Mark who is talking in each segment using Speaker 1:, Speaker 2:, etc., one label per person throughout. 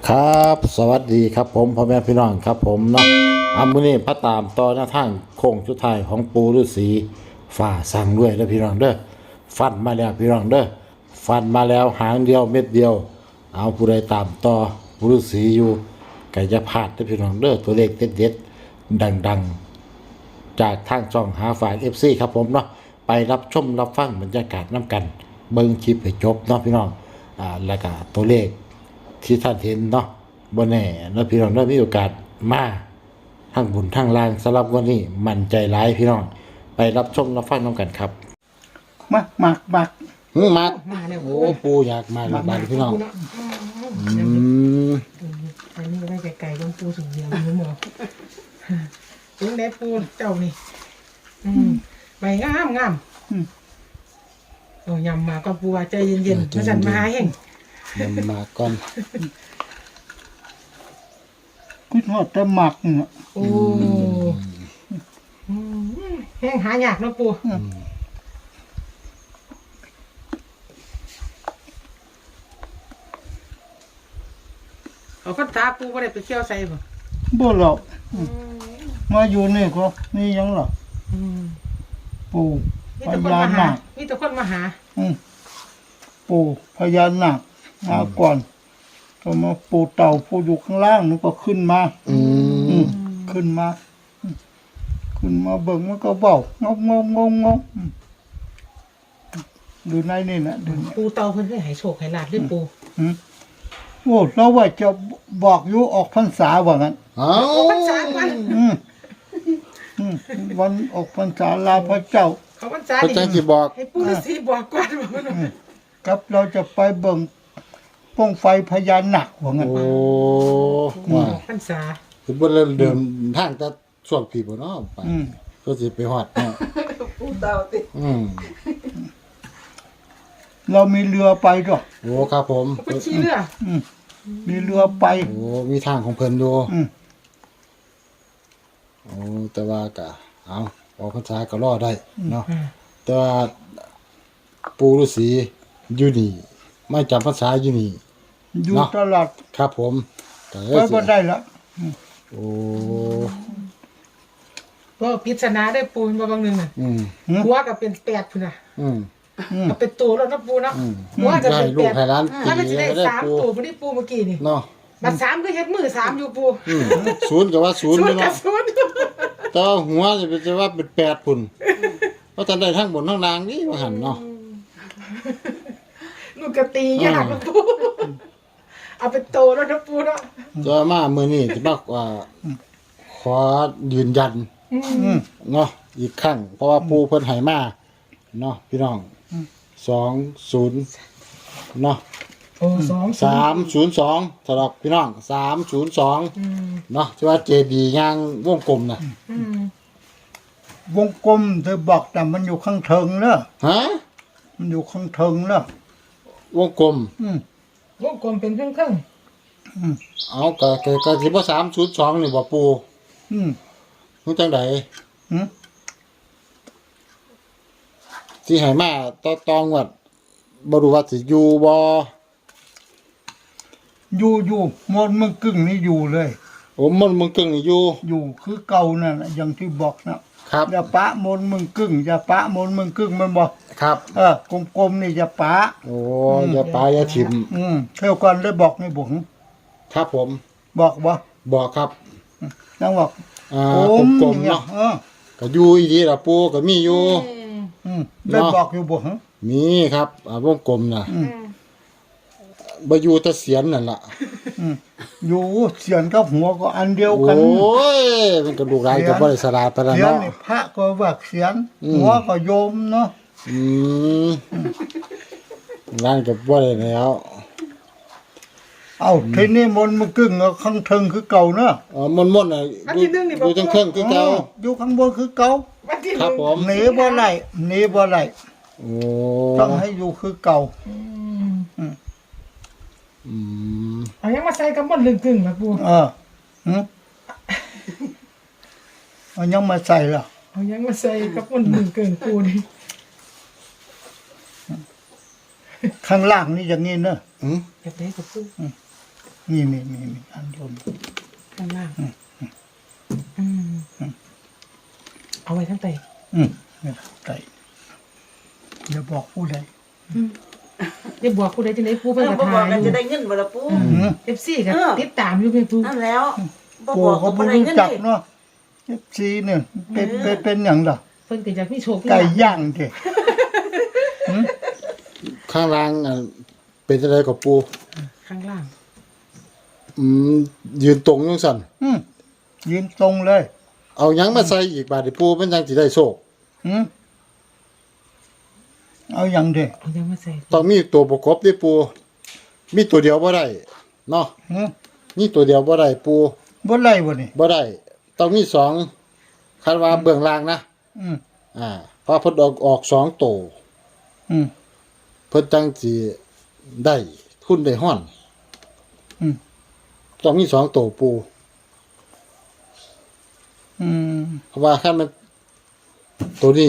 Speaker 1: ครับสวัสดีครับผมพ่อแม่พี่น้องครับผมเนาะมื้อนี้พระตามต่อหน้าทางโค้งสุดท้ายของปูฤาษีฝ่าสั่งด้วยแล้วพี่น้องเด้อฟันมาแล้วพี่น้องเด้อฟันมาแล้วหางเดียวเม็ดเดียวเอาผู้ใดตามต่อปูฤาษีอยู่ก็จะพลาดเด้อพี่น้องเด้อตัวเลขเด็ดๆดังๆจากทางช่องหาฝ่าย FC ครับผมเนาะไปรับชมรับฟังบรรยากาศน้ำกันเบิ่งคลิปให้จบเนาะพี่น้องแล้วก็ตัวเลขที่ท่านเห็นเนาะบ่แน่แล้วพี่น้องได้มีโอกาสมาทั้งบุญทั้งลางสำหรับวันนี้มั่นใจหลายพี่น้องไปรับชมรับฟังน้ำกันครับ
Speaker 2: มัก
Speaker 1: มัก
Speaker 3: มาแล้ว
Speaker 1: โอ้ปูอยากมาแล้วบาดพี่น้อง
Speaker 3: อันนี้ก็ได้ไก่ๆของปูสุดเดียวนี่หมอถึงได้ปูเจ้านี่ใบงามโอ้ยำมาก็ปูว่าใจเย็นๆมาสั่นมาหาเฮง
Speaker 1: มาก่อน
Speaker 2: คิดว่าจะหมักเนี่ย
Speaker 3: โอ้แห้งหายากนะปูเอาคันตาปูบ่ได้ไปเที่ยวใส่บ่
Speaker 2: บ่หรอกมาอยู่นี่ก็นี่ยังหรอปู่พญานาค
Speaker 3: มีแต่คนมาหา
Speaker 2: ปู่พญานาคมาก่อนก็มาปู่เต่าปู่อยู่ข้างล่างนึกก็ขึ้นมาขึ้นมาเบิ่งมันก็เบางงดูในนี่นะดู
Speaker 3: ปูเต่าเพิ่นเคยให้โชคให้ลาภหรือปู
Speaker 2: โอ้เราว่าจะบอกอยู่ออกพรรษาว่างั้น
Speaker 1: ออก
Speaker 3: พรรษาวัน
Speaker 2: วันออกพรรษาลาพระเจ้า
Speaker 3: เขาพรรษา
Speaker 1: นี่บอก
Speaker 3: ให้ปู่ฤาษีบอกก่อนว่า
Speaker 2: ครับเราจะไปเบิ่งป้องไฟพญานาคว่างั้น
Speaker 1: โอ้
Speaker 3: ว่าพรรษา
Speaker 1: คือบ่เริ่มเดินทางแต่ช่วงพี่บ่เนาะไปก็สิไปฮอดเนาะ
Speaker 3: ปู่เต่าติ
Speaker 2: เรามีเรือไปด้วย
Speaker 1: โอ้ครับผม
Speaker 3: เป็นขี่เรือ
Speaker 2: มีเรือไป
Speaker 1: โอ้มีทางของเพิ่นอยู่โอ้แต่ว่าก็เอาออกพรรษาก็รอได้เนาะแต่ว่าปู่ฤาษีอยู่นี่ไม่จำพรรษาอยู่นี่
Speaker 2: อยู่ตลอด
Speaker 1: ครับผม
Speaker 2: ก็บ่ได้ละ
Speaker 1: โอ้
Speaker 3: ก็พิจารณาได้ปูนมาบางนึงน่ะหัวก็เป็น8พุ่นน่ะก็เป็นตัวแล้วนะปูเนาะหัวก็เป็น8ถ้ามันสิได้3ตัวบ่ได้ปูเมื่อกี้นี่
Speaker 1: เนาะ
Speaker 3: บัด3คือเฮ็ดมือ3อยู่ปู
Speaker 1: 0ก็ว่า0เนาะแต่หัวจะว่าเป็น8พุ่นเพราะตอนได้ทั้งบนทั้งล่างนี่ว่าหั่นเนาะ
Speaker 3: ลูกกะตียากนะปูเอาเป็นโตแล้วนะปูเนาะ
Speaker 1: จะมามื้อนี้สิมาขอยืนยันเนาะอีกครั้งเพราะว่าปู่เพิ่นให้มาเนาะพี่น้อง20เนาะ
Speaker 3: โอ้
Speaker 1: 302สำหรับพี่น้อง302เนาะที่ว่าเจดีย์ย่างวงกลมน่ะ
Speaker 2: วงกลมเธอบอกแต่มันอยู่ข้างเทิงเนอะ
Speaker 1: ฮะ
Speaker 2: มันอยู่ข้างเทิงเนอะ
Speaker 1: วงกลม
Speaker 3: วงกลมเป็นครึ่ง
Speaker 1: เอาก็สิบ่302นี่บ่ปู่ฮู้จังได๋สิให้มาตองวดบ่รู้ว่าสิอยู่บ่
Speaker 2: อยู่มนมึงกึ่งนี่อยู่เลย
Speaker 1: โอ้มนมึงกึ่งนี่
Speaker 2: อยู่คือเก่านั่นอย่างที่บอกนะครับอย่าปะมนมึงกึ่งอย่าปะมนมึงกึ่งมันบอก
Speaker 1: ครับ
Speaker 2: กลมๆนี่อย่าปะ
Speaker 1: โอ้อย่าปะอย่าถิ่ม
Speaker 2: เท่ากันเลยบอกให้บอก
Speaker 1: ครับผม
Speaker 2: บอกบ่
Speaker 1: บอกครับ
Speaker 2: จังบอก
Speaker 1: กลมๆเนาะก็อยู่อีดีล่ะปู่ก็มีอยู่
Speaker 2: ได้บอกอยู่บ่
Speaker 1: มีครับวงกลมน่ะบ่อยู่แต่เสียนนั่นล่ะ
Speaker 2: อยู่เสียนกับหัวก็อันเดียวกัน
Speaker 1: โอ้ยมันก็ลูกหลานก็บ่ได้สลาดปานนั้นเนาะ
Speaker 2: พระก็ว่าเสียนหัวก็โยมเนาะ
Speaker 1: นั่นก็บ่ได้แล้ว
Speaker 2: ทีนี้มนต์มันกึ่งข้างเทิงคือเก่าเนาะ
Speaker 1: มนต์น่ะอยู่ทางเครื่องคือเก่า
Speaker 2: อยู่ข้างบนคือเก่า
Speaker 1: ครับผม
Speaker 2: หนีบ่ได้
Speaker 1: โอ้
Speaker 2: ต้องให้อยู่คือเก่า
Speaker 3: เอายังมาใส่กับมนต์ลึงกึ่งล่ะปู
Speaker 2: เอายังมาใส่ล่ะ
Speaker 3: เอายังมาใส่กับมนต์ลึงกึ่งปูนี่
Speaker 2: ข้างล่างนี่อย่างนี้เนอะ
Speaker 3: แบบไหนกับปู
Speaker 2: นี่อันบน
Speaker 3: ข้างล่างเอาไว้ทั้งแต่
Speaker 2: นี่ไก่อย่าบอกผู้ใด
Speaker 3: จะบอกกูได้จังได๋ปูเพิ่นก็
Speaker 4: บ่บ
Speaker 3: ทา
Speaker 4: อก
Speaker 3: ย
Speaker 4: กัน
Speaker 3: อ
Speaker 4: จะ
Speaker 3: ยู่
Speaker 4: ได้เงินบ่ล่ะปู่
Speaker 3: FC ก็ติดตามอยู่แม่ปู
Speaker 4: นั่นแล้วบ่
Speaker 2: ปู่
Speaker 4: บอก
Speaker 2: เขา
Speaker 4: ก็บ่
Speaker 2: ไม่
Speaker 4: ได้
Speaker 2: รู้
Speaker 4: เงิน
Speaker 2: จัก
Speaker 4: ดิ
Speaker 2: เนาะFCเนี่ยเป็นอย่างล่ะ
Speaker 3: เพิ่นก็อยากมีโชคมี
Speaker 2: ไก่
Speaker 3: ลาภ
Speaker 2: ย่างเด้
Speaker 1: ข้างล่างเป็นอะไรกับปู
Speaker 3: ข้างล่าง
Speaker 1: ยืนตรงยังสั่น
Speaker 2: ยืนตรงเลย
Speaker 1: เอาหยังมาใส่อีกบาดนี้ปูมันยังสิได้โชค
Speaker 2: เอาอย่างเด้
Speaker 3: เอายังมาใส่
Speaker 1: ต้องมีตัวประกอบด้วยปูมีตัวเดียวบ่ได้เนาะมีตัวเดียวบ่ได้ปู
Speaker 2: บ่ไล่บ่นี่
Speaker 1: บ่ได้ต้องมีสองคาดว่าเบื้องล่างนะ เพราะเพิ่นออก2ตัว เพิ่นจังสิได้ทุนได้ฮ้อนต้องมี2ตัวปู เพราะว่าคันมันตัวนี้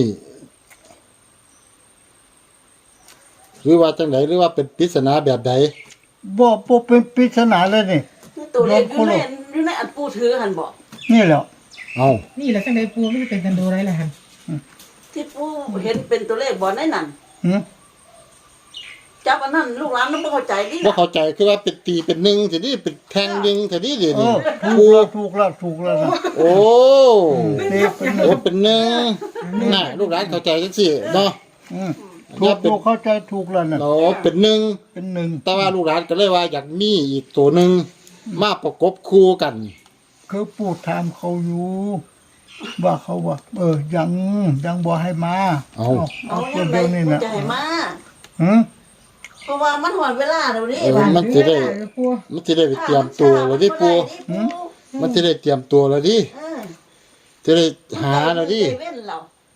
Speaker 1: หรือว่าจังไดหรือว่าเป็นปริศนาแบบใด
Speaker 2: บ่เป็นปริศนาเลยนี่
Speaker 4: ตัวเลขอยู่ในอันปู่ถือหั่นบ่
Speaker 2: นี่แหละ
Speaker 1: เอา
Speaker 3: นี่แหละจังได๋ปูมันเป็นกันโดไรล่ะหั่น
Speaker 4: ที่ปู่เห็นเป็นตัวเลขบ่ในนั้น
Speaker 2: หืม
Speaker 4: จับอันนั้นลูกหลานมันบ่เข้าใจดิ
Speaker 1: บ่เข้าใจคือว่าเป็นตีเป็นหนึ่งสินี่เป็นแทงยิงสินี่เดี๋ยวนี้
Speaker 2: ถูกแล้วนะ
Speaker 1: โอ้
Speaker 2: นี่เป็น
Speaker 1: โอ้เป็นหนึ่งน่ะลูกหลานเข้าใจจังซี่เนาะ
Speaker 2: ถูกเข้าใจถูกแล้วนะ
Speaker 1: เนาะเป็นหนึ่ง
Speaker 2: เป็นหนึ่ง
Speaker 1: แต่ว่าลูกหลานก็เลยว่าอยากมีอีกตัวหนึงมาประกบคู่กัน
Speaker 2: คือปู่ถามเขาอยู่ ว่าเขาว่า ยังบ่ให้มา
Speaker 1: เอา
Speaker 4: เอา
Speaker 2: ตั
Speaker 4: ยั
Speaker 2: ว
Speaker 4: งไง
Speaker 2: เดียวนี่
Speaker 4: ปู่
Speaker 2: นะ
Speaker 4: จะให้มา
Speaker 2: หืม
Speaker 4: เพราะว่ามันหอดเวลาแล้วนี่
Speaker 1: มันสิได้
Speaker 3: ปู
Speaker 1: มันสิได้ไปเตรียมตัวแล้วดิปูมันสิได้เตรียมตัวแล้วดิจะได้หาแล้วดิ
Speaker 4: เว้นเรา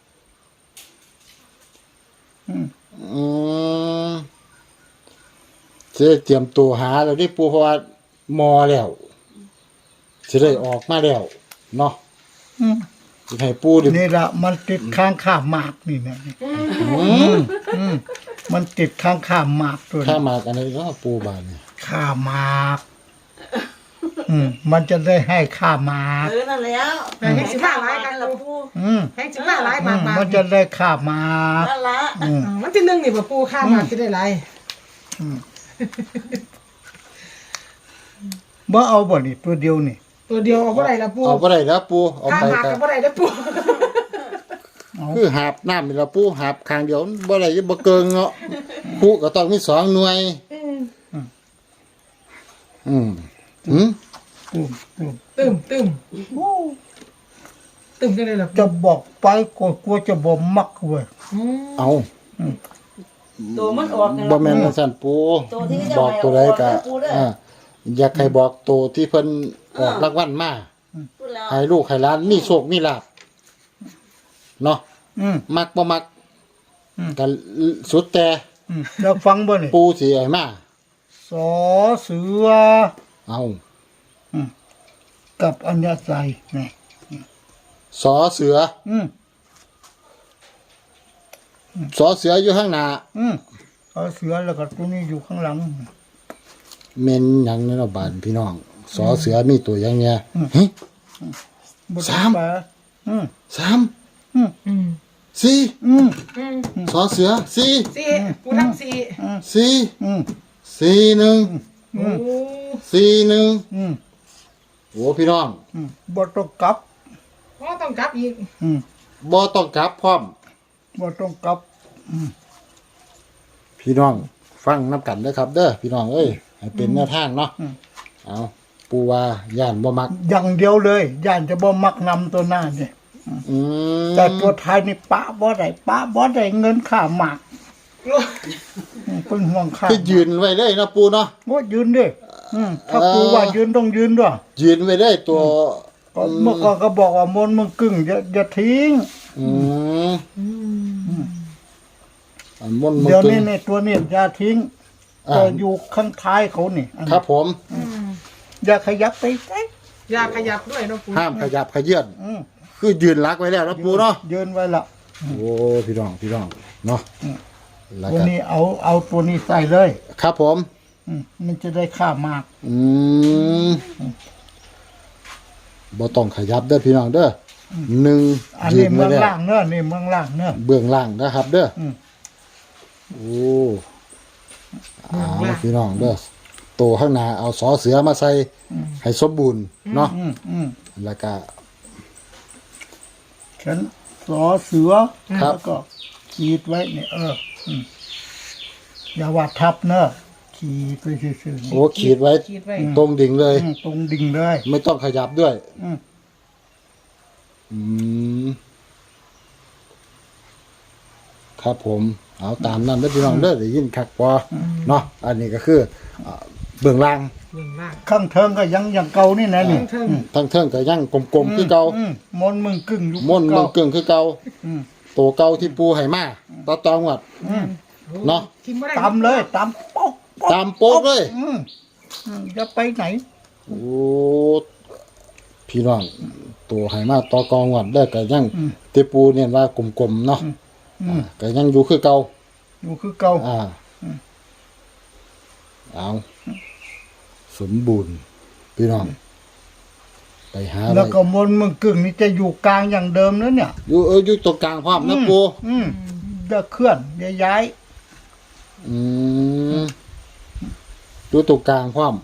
Speaker 1: อืมจะได้เตรียมตัวหาแล้วดิปูเพราะว่ามอแล้วจะได้ออกมาแล้วเนาะสิให้ปูดิ
Speaker 2: นี่ละมันติดข้างข้ามหมากนี่นะมันติดข้างข้ามหมากตัว
Speaker 1: ข้า
Speaker 2: นี้
Speaker 1: มากันเลยเนาะปูบานนี่
Speaker 2: ข้ามหมากมันจะได้ให้ข้ามหมาก
Speaker 4: นั่นแล้ว
Speaker 3: แต่ให้สิมาหลายกัน
Speaker 4: ละ
Speaker 3: ล่ะปู
Speaker 4: ปู่
Speaker 3: ให้สิมาหลายมาก
Speaker 2: มันจะได้ข้ามหมาก
Speaker 4: นั่นละ
Speaker 3: มันที่1นี่บ่ปูค่ามาสิได้หลาย
Speaker 2: บ่เอาบ่นี่ตัวเดียวนี่
Speaker 3: ตัวเดียวเอาบ่ได้ล่ะปู
Speaker 1: เอาบ่ได้แล้วปูเอา
Speaker 3: ค่า
Speaker 1: ไป
Speaker 3: มา
Speaker 1: กั
Speaker 3: ก็
Speaker 1: น
Speaker 3: บ่ได้เด้อปู
Speaker 1: คือหาบน้ำนี่ละปูหาบข้างเดียวบ่ได้บ่เกิงเนาะปูก็ต้องมี2หน่วยอืม
Speaker 2: ตุ้ม
Speaker 3: ตึมตึมจังได๋ล่ะ
Speaker 2: จะบอกไปก็กลัวจะบ่มักเว้ย
Speaker 1: เอา
Speaker 4: ตัวมันออก
Speaker 1: บ่แม่นว่าซั่นปู
Speaker 4: ตัวที่จะ
Speaker 1: บอกตัวใดก็
Speaker 4: ให้ออกนะปูเด้อ
Speaker 1: อยากให้บอกตัวที่เพิ่นออกรางวัลมา
Speaker 4: พูดแล้ว
Speaker 1: ให้ลูกให้หลานมีโชคมีลาภเนาะ มักบ่มักก็สุดแต่
Speaker 2: แล้วฟังบ่นี่
Speaker 1: ปูสิให้มา
Speaker 2: สอเสือ
Speaker 1: เอา
Speaker 2: กับอัญญาใจนี่
Speaker 1: สอเสือสอเสืออยู่ข้างหน้า
Speaker 2: สอเสือแล้วก็ตัวนี้อยู่ข้างหลัง
Speaker 1: เม่นหยังในระบาดพี่น้องสอเสือมีตัวอย่างเนี้ย
Speaker 2: บ่
Speaker 1: สาม
Speaker 2: ไป
Speaker 1: 3 4สอเสือ4
Speaker 3: 4ปูทั้ง4
Speaker 1: 4
Speaker 3: โอ้
Speaker 1: โอ้พี่น้อง
Speaker 2: บ่ต้องกลับ
Speaker 3: บ่ต้องกลับอีก
Speaker 1: บ่ต้องกลับพร้อม
Speaker 2: บ่ต้องกลับ
Speaker 1: พี่น้องฟังน้ำกันเด้อครับ เด้อพี่น้องเอ้ยให้เป็นแนวทางเนาะเอาปูว่าย่านบ่มัก
Speaker 2: อย่างเดียวเลยย่านจะบ่มักนำตัวหน้านี่ แต่ตัวท้ายนี่ป้าบ่ได้เงินค่าหมากเป็นห่วงค่า
Speaker 1: คือยืนไว้เลยเนาะปูเนาะ
Speaker 2: บ่ยืนดิถ้าปูว่ายืนต้องยืนด้วย
Speaker 1: ยืนไว้เลยตัว
Speaker 2: ก็เมื่อก่อนก็บอกว่ามนต์มึงกึ่งอย่าทิ้ง
Speaker 1: อันมนต์
Speaker 2: เดี๋ยว
Speaker 1: ตึ
Speaker 2: นี้
Speaker 1: ง
Speaker 2: ในตัวนี้อย่าทิ้งก็อยู่ข้างท้ายเขานี่อัน
Speaker 1: ค
Speaker 2: นี้
Speaker 1: รับผม
Speaker 2: อย่าขยับไปไหน
Speaker 3: อย่าขยับด้วยเนาะปู
Speaker 1: ห้ามขยับขยื่นคือยืนรักไว้แล้วเนาะปูเนาะ
Speaker 2: ยืนไว้ละ
Speaker 1: โอ้พี่น้องเนาะแล้ว
Speaker 2: ตัว
Speaker 1: ก็
Speaker 2: นี้เอาตัวนี้ใส่เลย
Speaker 1: ครับผม
Speaker 2: อมันจะได้ค่ามาก
Speaker 1: บ่ต้องขยับเด้อพี่น้องเด้อหนึ่ง
Speaker 2: อัน
Speaker 1: ยื
Speaker 2: นี้
Speaker 1: น
Speaker 2: เมื
Speaker 1: ไว้
Speaker 2: อง
Speaker 1: แล้ว
Speaker 2: ล่างเนอะนี่เมืองล่างเนอะ
Speaker 1: เบื้องล่างนะครับ เด้ออ
Speaker 2: ม
Speaker 1: โอ้เอาละพี่น้องเด้อโตข้างหน้าเอาสอเสือมาใส่ให้สมบูรณ์เนาะ แล้วก็
Speaker 2: ฉันสอเสือ
Speaker 1: ครับ
Speaker 2: แล้วก็ขีดไว้เนี่ยอย่าวาดทับเนอะขีดไปซื่อๆ
Speaker 1: โอ้ขีดไว้
Speaker 3: คิดไว้
Speaker 1: ตรงดิ่งเลย
Speaker 2: ตรงดิ่งเลย
Speaker 1: ไม่ต้องขยับด้วย
Speaker 2: อืม
Speaker 1: อืมครับผม เอาตามนั้นเด้อพี่น้องเด้อได้ยินคักพอเนาะอันนี้ก็คือเบื้องล่าง
Speaker 3: เบื้องล่าง
Speaker 2: ข้างเทิงก็ยังอย่างเก่านี่นะนี่
Speaker 3: เทิง
Speaker 1: ทั้งเทิงก็ยังกลมๆคือเก่า
Speaker 2: มนต์มึงกึ่งอยู่
Speaker 1: ม่วนเมืองกึ่งคือเก่า
Speaker 2: อืม
Speaker 1: โตเก่าที่ปูให้มาต่อตองวัด เนาะ
Speaker 3: กินบ่ได้
Speaker 2: ตำเลยตำป๊อก
Speaker 1: ตามโป๊กเลย
Speaker 2: จะไปไหน
Speaker 1: โอ้พี่น้องตัวให้มาต่อกองวัดได้ก็ยังที่ปูเนี่ยว่ากลมๆเนาะก็ยังอยู่คือเก่า
Speaker 2: อยู่คือเก่า
Speaker 1: เอาสมบูรณ์พี่น้องไปหา
Speaker 2: แล้ว
Speaker 1: ไว้
Speaker 2: ก็มนต์มึงกึ่งนี่จะอยู่กลางอย่างเดิมนะเนี่ย
Speaker 1: อยู่ตรงกลางพร้อมนะปู
Speaker 2: จะเคลื่อนจะย้าย
Speaker 1: อืมอยู่ตรงกลางพร้อม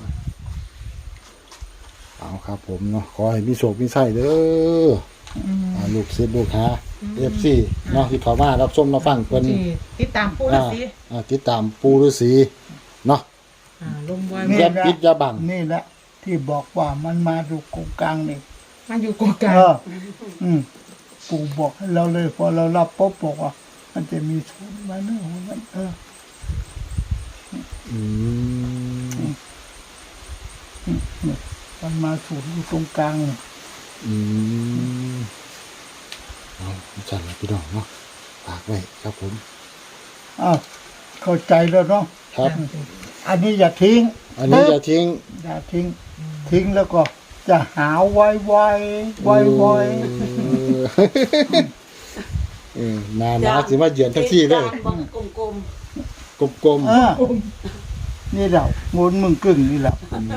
Speaker 1: เอาครับผมเนาะขอให้มีโชคมีไส้เด้อลูกศิษย์ลูกหาFC เนาะที่เขามารับชมมาฟังเพิ่น
Speaker 3: ที่ติดตามปูฤาษี
Speaker 1: ติดตามปูฤาษีเนาะ
Speaker 3: ลมบอย
Speaker 2: นี่
Speaker 1: อย่าปิดอย่าบัง
Speaker 2: นี่แหละ ที่บอกว่ามันมาดูกงกลางนี่
Speaker 3: มันอยู่กลางกลาง
Speaker 2: ปู่บอกให้เราเลยพอเรารับปุ๊บบอกว่า มันจะมีศูนย์มาเนื้อมัน
Speaker 1: อืม
Speaker 2: มันมาศูนย์อยู่ตรงกลางนี่
Speaker 1: อืมเอาจัดเลยพี่น้องเนาะฝากไว้ครับผม
Speaker 2: อ้าวเข้าใจแล้วเนาะ
Speaker 1: ครับ
Speaker 2: อันนี้อย่าทิ้ง
Speaker 1: อันนี้อย่าทิ้ง
Speaker 2: อย่าทิ้ง ทิ้งแล้วก็จะหาไว
Speaker 1: นานาสิมาเยือนทั้งที่เลย
Speaker 4: กลม
Speaker 1: กลม
Speaker 2: นี่แหละมนต์มึงกึ่งนี่แหละ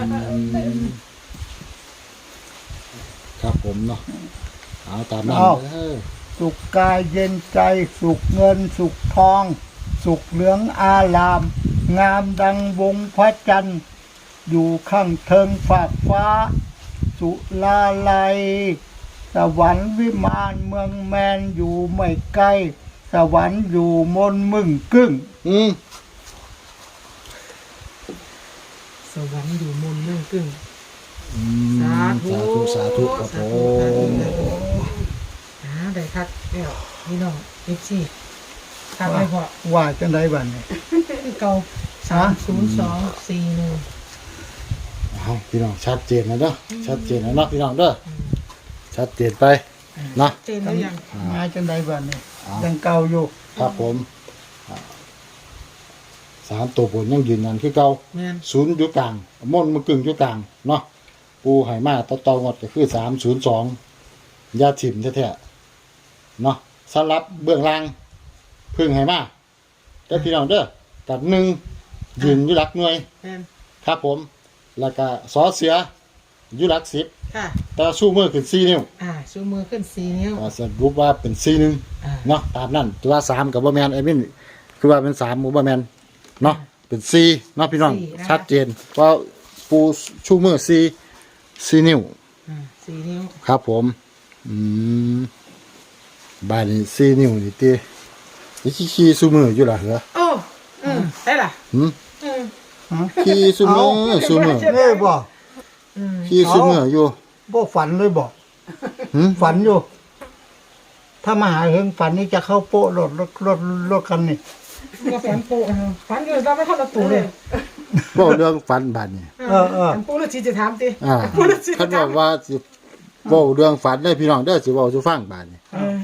Speaker 1: ๆครับผมเนาะเอาตามนั้นเด้อ
Speaker 2: สุขกายเย็นใจสุขเงินสุขทอง สุขเหลืองอาราม งามดังวงพระจันทร์อยู่ข้างเทิงฝากฟ้า สุลาลัย สวรรค์วิมานเมืองแมนอยู่ไม่ไกล สวรรค์อยู่มนต์มึงกึ่ง
Speaker 3: สวรรค์อยู่มุมเรื่องกึ่ง
Speaker 1: สาธุครับผม
Speaker 3: ได้คักแล้วพี่น้องFCคักไปพอ
Speaker 2: ว่าจังไดบัดนี้
Speaker 3: คือเก่า30241
Speaker 1: เอาพี่น้องชัดเจนนะเด้อชัดเจนนะเนาะพี่น้องเด้อชัดเจนไปเนาะ
Speaker 3: เจนแล้วยัง
Speaker 2: มาจังไดบัดนี้ยังเก่าอยู่
Speaker 1: ครับผมสามตัวผลยังยืนยันคือเก่า
Speaker 3: แม่น
Speaker 1: ศูนย์อยู่กลางม่อนมันกึ่งอยู่กลางเนาะปูไหมาต่องดก็คือ302ยาถิ่มแท้ๆเนาะสลับเบื้องล่างพึ่งไหมาแต่พี่น้องเด้อกับ1ยืนอยู่หลักหน่วย
Speaker 3: แม่น
Speaker 1: ครับผม แล้วก็สอเสืออยู่หลัก10
Speaker 3: ค่ะ
Speaker 1: แต่สู้มือขึ้น4นิ้ว
Speaker 3: ชูมือขึ้น4นิ้ว
Speaker 1: ก็สรุปว่าเป็น4นึง เนาะตามนั้นตัว3กับบ่แม่นไอ้มินคือว่าเป็น3บ่แม่นเนาะเป็น4เนาะพี่น้องชัดเจนว่าปูชูมือ4นิ้ว
Speaker 3: 4นิ้ว
Speaker 1: ครับผมบ้านนี้4นิ้วนี่ตินี่ขี้ชูมืออยู่ล่ะเหรอ
Speaker 3: โอ้ได้ล่ะ
Speaker 1: ขี้ชูมือชูมือ
Speaker 2: นี่บ่
Speaker 1: ขี้ชูมืออยู่
Speaker 2: บ่ฝันเลยบ่ฝันอยู่ ถ้ามาหาเฮงฝันนี่จะเข้าโป๊ะรถคันนี่
Speaker 3: ก็ฝันปูฝันอยู่เราไม่เข้าประตูเลย
Speaker 1: เว้าเรื่องฝันบ้านนี้
Speaker 3: ฝันปูแล้วชีจะถามติ
Speaker 1: เขาบอกว่าสิเว้าเรื่องฝันได้พี่น้องเด้อสิเว้าสู่ฟังบ้านนี้